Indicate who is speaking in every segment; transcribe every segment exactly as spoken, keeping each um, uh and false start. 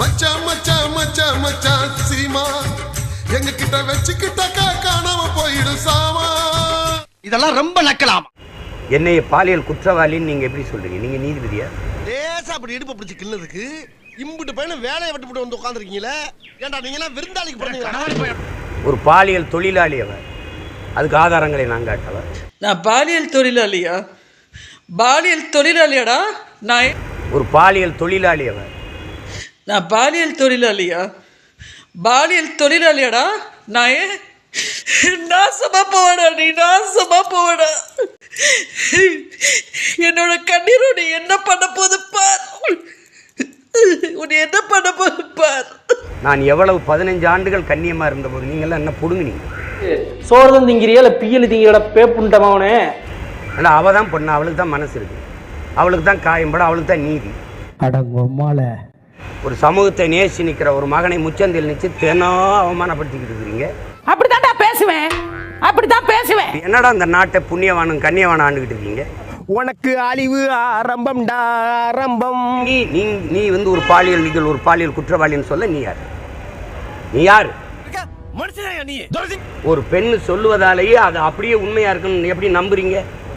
Speaker 1: மச்சான் மச்சான் மச்சான் மச்சான் சீமா எங்க கிட்ட வச்சுக்கிட்டாக்கா காணாம போயிடும் சாமா.
Speaker 2: இதெல்லாம் ரொம்ப நக்கலாமா?
Speaker 3: என்னைய பாலியல் குற்றவாளின்னு நீங்க எப்படி சொல்றீங்க? நீங்க நீதிபதியா?
Speaker 2: லேசா அப்படி இடுப்பு பிடிச்சி கிள்ளதுக்கு இம்புட்டு பையன வேலையை விட்டு விட்டு வந்து உட்காந்துருக்கீங்களே. ஏன்டா நீங்க எல்லாம் விருந்தாளிக்கு போறீங்களா?
Speaker 3: ஒரு பாலியல் தொழிலாளி அவர், அதுக்கு ஆதாரங்களை நான் காட்டவா?
Speaker 4: நான் பாலியல் தொழிலாளியா? பாலியல் தொழிலாளியாடா நான்?
Speaker 3: ஒரு பாலியல் தொழிலாளி அவர்.
Speaker 4: நான் பாலியல் தொழிலாளியா? பாலியல் தொழிலாளியாடா நான்? நாசமா போவடா நீ, நாசமா போவடா. என்னோட கண்ணீரோட என்ன பண்ண போது பார், உன்னை என்ன பண்ண போது பார்.
Speaker 3: நான் எவ்வளவு பதினஞ்சு ஆண்டுகள் கண்ணியமா இருந்த போது நீங்க எல்லாம் என்ன புடுங்குனீங்க?
Speaker 5: சோறுதான் திங்கிறியா இல்லை பியல் திங்கிற பேப்புண்டமாவனே?
Speaker 3: ஆனால் அவள் தான் பொண்ணு, அவளுக்கு தான் மனசு இருக்கு, அவளுக்கு தான் காயம்பட, அவளுக்கு தான் நீதி.
Speaker 5: அடங்கம்மால
Speaker 3: ஒரு சமூகத்தை நேசி நிற்கிற ஒரு மகனை முச்சந்தில் நிச்சு தினம் அவமானப்படுத்திக்கிட்டு இருக்கிறீங்க.
Speaker 6: அப்படித்தான்டா பேசுவேன், அப்படித்தான் பேசுவேன்.
Speaker 3: என்னடா இந்த நாட்டை புண்ணியவானும் கண்ணியவானும் ஆண்டுகிட்டு இருக்கீங்க?
Speaker 5: உனக்கு அழிவு ஆரம்பம்டா ஆரம்பம்.
Speaker 3: நீ நீ நீ வந்து ஒரு பாலியல் நீங்கள் ஒரு பாலியல் குற்றவாளின்னு சொல்ல நீ யார்? நீ யார்? ஒரு பெண்ணு சொல்லுவதாலேயே அது அப்படியே உண்மையா இருக்குன்னு எப்படி நம்புறீங்க?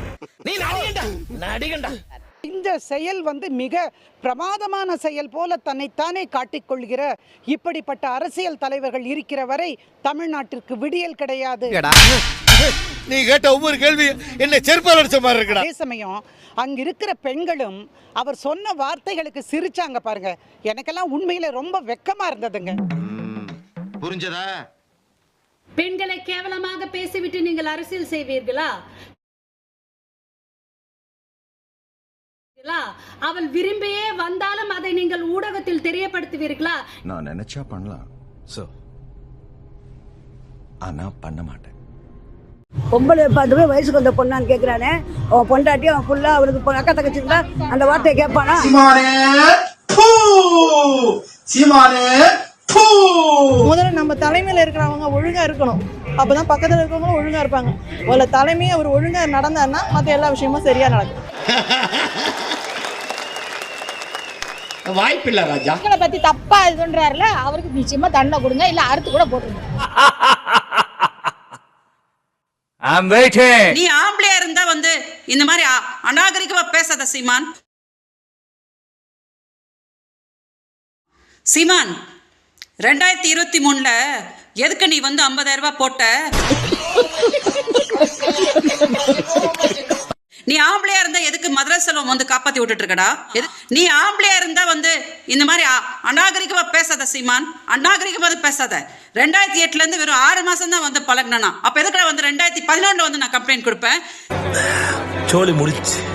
Speaker 6: இந்த செயல் வந்து மிக பிரமாதமான செயல் போல தன்னைத்தானே காட்டிக்கொள்கிற இப்படிப்பட்ட அரசியல் தலைவர்கள் இருக்கிற வரை தமிழ்நாட்டிற்கு விடியல் கிடையாது.
Speaker 2: நீ கேட்ட ஒவ்வொரு கேள்வி என்ன செருப்பால் அடிச்ச மாதிரி இருக்குடா.
Speaker 6: அதே சமயம் அங்க இருக்கிற பெண்களும் அவர் சொன்ன வார்த்தைகளுக்கு சிரிச்சாங்க பாருங்க. எனக்கெல்லாம் உண்மையில ரொம்ப வெக்கமா இருந்ததுங்க.
Speaker 2: புரிஞ்சதா?
Speaker 7: பெண்களை கேவலமாக பேசிவிட்டு நீங்கள் அரசியல் செய்வீர்களா? அவள் விரும்பியே வந்தாலும் அதை நீங்கள் ஊடகத்தில் தெரியப்படுத்துவீர்களா?
Speaker 8: நான் நினைச்சா பண்ணலாம் சோ, ஆனா பண்ண மாட்டேன்.
Speaker 9: பொம்பளை பார்த்து போய் வயசுக்கு வந்த பொண்ணான்னு கேட்கிறானே, அவன் பொண்டாட்டி அவன் ஃபுல்லா அவனுக்கு அக்கா தங்கச்சி இருந்தா அந்த வார்த்தையை கேட்பானா?
Speaker 10: முதல்ல நம்ம தலைமையில இருக்கிறவங்க ஒழுங்கா இருக்கணும், அப்பதான் பக்கத்துல இருக்கவங்களும் ஒழுங்கா இருப்பாங்க. ஒரு தலைமையை அவர் ஒழுங்கா நடந்தாருன்னா மற்ற எல்லா விஷயமும் சரியா நடக்கும்.
Speaker 2: வாய்ப்பில்லை ராஜா.
Speaker 7: மக்களை பத்தி தப்பா இதுன்றாருல, அவருக்கு நிச்சயமா தண்டனை கொடுங்க, இல்ல அறுத்து கூட போட்டுருங்க.
Speaker 4: நீ ஆம்பளையா இருந்தா வந்து இந்த மாதிரி அநாகரிகமா பேசாத சீமான். சீமான், ரெண்டாயிரத்தி இருபத்தி மூணுல எதுக்கு நீ வந்து ஐம்பதாயிரம் ரூபாய் போட்ட? நீ ஆம்பளையா இருந்தா எதுக்கு மதுரை செல்வம் வந்து காப்பாத்தி விட்டுட்டு இருக்கடா? நீ ஆம்பளையா இருந்தா வந்து இந்த மாதிரி அநாகரிகமா பேசாத சீமான், அநாகரிகமா பேசாத. ரெண்டாயிரத்தி எட்டுல இருந்து வெறும் ஆறு மாசம் தான் வந்து பழகினா, அப்ப எதுக்கடா வந்து ரெண்டாயிரத்தி பதினொன்னுல வந்து நான் கம்ப்ளைண்ட் கொடுப்பேன்?
Speaker 8: சோலி முடிச்சு